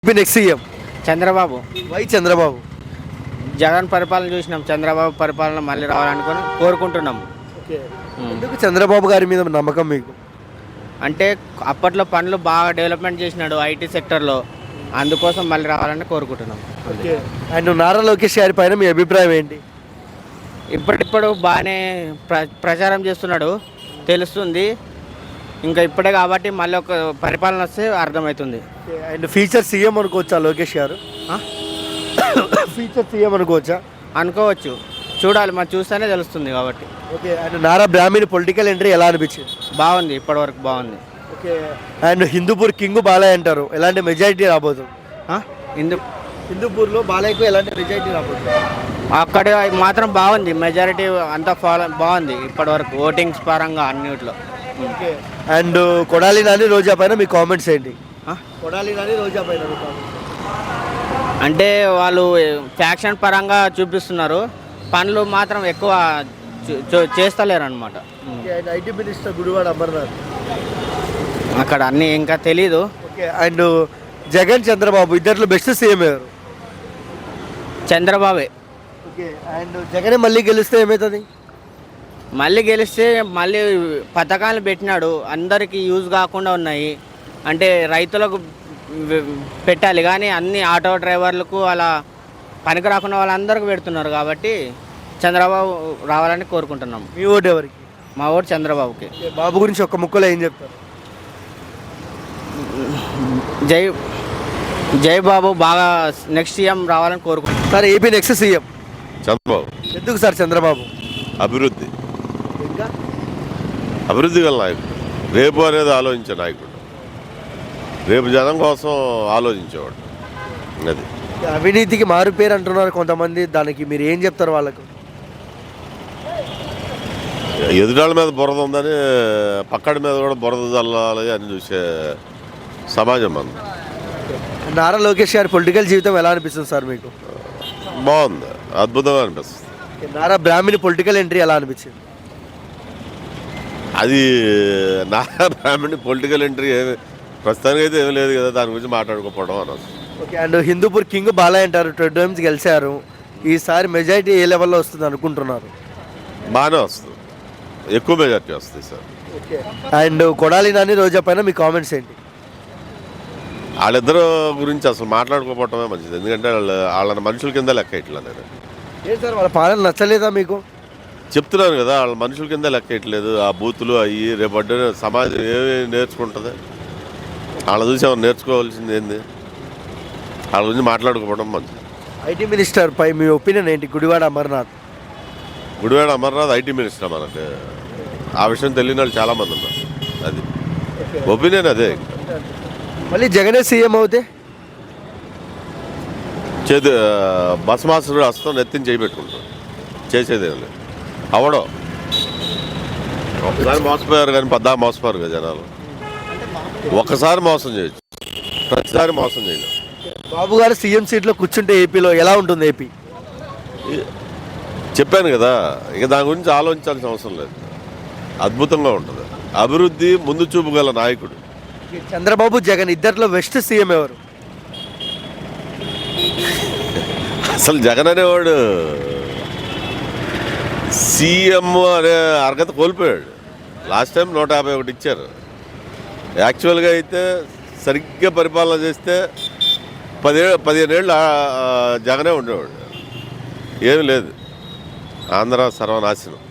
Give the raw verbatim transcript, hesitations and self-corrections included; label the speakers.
Speaker 1: Next CM
Speaker 2: Chandrababu.
Speaker 1: Why Chandrababu?
Speaker 2: Jagan పరిపాలన చూసినాం, చంద్రబాబు పరిపాలన మళ్ళీ రావాలనుకొని కోరుకుంటున్నాం.
Speaker 1: ఎందుకు చంద్రబాబు గారి మీద నమ్మకం మీకు?
Speaker 2: అంటే అప్పట్లో పనులు బాగా డెవలప్మెంట్ చేసినాడు ఐటీ సెక్టర్లో, అందుకోసం మళ్ళీ రావాలని కోరుకుంటున్నాం.
Speaker 1: అండ్ నారా లోకేష్ గారి పైన మీ అభిప్రాయం ఏంటి?
Speaker 2: ఇప్పటిప్పుడు బాగానే ప్ర ప్రచారం చేస్తున్నాడు, తెలుస్తుంది. ఇంకా ఇప్పుడే కాబట్టి మళ్ళీ ఒక పరిపాలన వస్తే అర్థమవుతుంది.
Speaker 1: అండ్ ఫ్యూచర్ సీఎం అనుకోవచ్చా లోకేష్ గారు? ఫ్యూచర్ సీఎం అనుకోవచ్చా?
Speaker 2: అనుకోవచ్చు, చూడాలి, మనం చూస్తేనే తెలుస్తుంది కాబట్టి.
Speaker 1: Okay. And Nara Brahmani political entry ఎలా అనిపించింది?
Speaker 2: బాగుంది, ఇప్పటివరకు బాగుంది.
Speaker 1: Okay. And Hindupur king Balayya అంటారు, ఎలాంటి మెజారిటీ రాబోతుంది?
Speaker 2: హిందూ
Speaker 1: హిందూపూర్లో బాలయ్యకు ఎలాంటి మెజారిటీ రాబోతుంది?
Speaker 2: అక్కడ మాత్రం బాగుంది, మెజారిటీ అంతా ఫాలో బాగుంది ఇప్పటివరకు ఓటింగ్స్ పరంగా అన్నిట్లో.
Speaker 1: ఓకే. అండ్ కొడాలి నాని రోజా పైన మీ కామెంట్స్ ఏంటి? కొడాలి నాని రోజా పైన మీ కామెంట్స్?
Speaker 2: అంటే వాళ్ళు ఫ్యాక్షన్ పరంగా చూపిస్తున్నారు, పనులు మాత్రం ఎక్కువ చేస్తలేరు అనమాట.
Speaker 1: ఐటీ మినిస్టర్ గుడివాడ అమర్నాథ్
Speaker 2: అక్కడ అన్నీ ఇంకా తెలీదు.
Speaker 1: ఓకే. అండ్ జగన్ చంద్రబాబు ఇద్దరిలో బెస్ట్ సీఎం ఎవరు?
Speaker 2: చంద్రబాబే.
Speaker 1: ఓకే. అండ్ జగనే మళ్ళీ గెలిస్తే ఏమవుతుంది?
Speaker 2: మళ్ళీ గెలిస్తే మళ్ళీ పథకాలు పెట్టినాడు, అందరికీ యూజ్ కాకుండా ఉన్నాయి. అంటే రైతులకు పెట్టాలి కానీ అన్ని ఆటో డ్రైవర్లకు అలా పనికి రాకుండా వాళ్ళందరికీ పెడుతున్నారు కాబట్టి చంద్రబాబు రావాలని కోరుకుంటున్నాం.
Speaker 1: మీ ఓటు ఎవరికి?
Speaker 2: మా ఓటు చంద్రబాబుకి.
Speaker 1: బాబు గురించి ఒక్క ముక్కలో ఏం చెప్తారు?
Speaker 2: జై జై బాబు, బాగా నెక్స్ట్ సీఎం రావాలని కోరుకుంటున్నాం.
Speaker 1: Sir AP next CM
Speaker 3: Chandrababu.
Speaker 1: ఎందుకు సార్ చంద్రబాబు?
Speaker 3: అభివృద్ధి
Speaker 1: ఇంకా
Speaker 3: అభివృద్ధి గల నాయకుడు, రేపు అనేది ఆలోచించే నాయకుడు, రేపు జనం కోసం ఆలోచించేవాడు. అది
Speaker 1: అవినీతికి మారు పేరు అంటున్నారు కొంతమంది, దానికి మీరు ఏం చెప్తారు వాళ్ళకు?
Speaker 3: ఎదుటాళ్ళ మీద బురద ఉందని పక్కడి మీద కూడా బురద చల్లాలి అని చూసే సమాజం మనం.
Speaker 1: నారా లోకేష్ గారి పొలిటికల్ జీవితం ఎలా అనిపిస్తుంది సార్ మీకు?
Speaker 3: బాగుంది, అద్భుతంగా అనిపిస్తుంది.
Speaker 1: నారా బ్రాహ్మణి పొలిటికల్ ఎంట్రీ ఎలా అనిపించింది?
Speaker 3: అది నారా బ్రాహ్మణి పొలిటికల్ ఎంట్రీ ఏమి ప్రస్తుతానికి అయితే ఏమీ లేదు కదా, దాని గురించి మాట్లాడుకోకపోవడం అన్నది.
Speaker 1: Okay. And Hindupur king Balayya అంటారు, టూ టైమ్స్ గెలిచారు, ఈసారి మెజారిటీ ఏ లెవెల్లో వస్తుంది అనుకుంటున్నారు?
Speaker 3: బాగానే వస్తుంది, ఎక్కువ మెజార్టీ వస్తుంది sir.
Speaker 1: Okay. And Kodali Nani Roja పైన మీ కామెంట్స్ ఏంటి?
Speaker 3: వాళ్ళిద్దరు గురించి అసలు మాట్లాడుకోకపోవటమే మంచిది, ఎందుకంటే వాళ్ళు వాళ్ళ మనుషుల కింద లెక్క ఇట్లా నేను
Speaker 1: ఏం సార్ వాళ్ళ పాలన నచ్చలేదా మీకు?
Speaker 3: చెప్తున్నాను కదా, వాళ్ళ మనుషుల కింద లెక్క ఇట్లేదు, ఆ బూతులు అయ్యి రేపడ్డ సమాజం ఏమి నేర్చుకుంటుంది? వాళ్ళ చూసి ఏమైనా నేర్చుకోవాల్సింది ఏంది? వాళ్ళ గురించి మాట్లాడుకోవడం మంచిది.
Speaker 1: ఐటీ మినిస్టర్ పై మీ ఒపీనియన్ ఏంటి? గుడివాడ అమర్నాథ్.
Speaker 3: గుడివాడ అమర్నాథ్ ఐటీ మినిస్టర్, మనకి ఆ విషయం తెలియని వాళ్ళు చాలామంది ఉన్నారు. అది ఒపీనియన్ అదే.
Speaker 1: మళ్ళీ జగనే సీఎం అవుతే
Speaker 3: చేతి బస్ మాస్టర్ హస్తం నెత్తిని చేయబెట్టుకుంటారు, చేసేదేం లేదు. అవడం ఒకసారి మోసపోయారు కానీ పద్దా మోసపోయారు కదా జనాలు. ఒక్కసారి మోసం చేయొచ్చు, ప్రతిసారి మోసం చేయలేదు.
Speaker 1: బాబు గారు సీఎం సీట్లో కూర్చుంటే ఏపీలో ఎలా ఉంటుంది ఏపీ?
Speaker 3: చెప్పాను కదా, ఇక దాని గురించి ఆలోచించాల్సిన అవసరం లేదు, అద్భుతంగా ఉంటుంది. అభివృద్ధి, ముందు చూపు గల నాయకుడు.
Speaker 1: చంద్రబాబు జగన్ ఇద్దరిలో బెస్ట్ సీఎం ఎవరు?
Speaker 3: అసలు జగన్ అనేవాడు సీఎం అనే అర్హత కోల్పోయాడు. లాస్ట్ టైం నూట యాభై ఒకటి ఇచ్చారు. యాక్చువల్గా అయితే సరిగ్గా పరిపాలన చేస్తే పదే పదిహేను ఏళ్ళు జగనే ఉండేవాడు. ఏమీ లేదు, ఆంధ్ర సర్వనాశనం.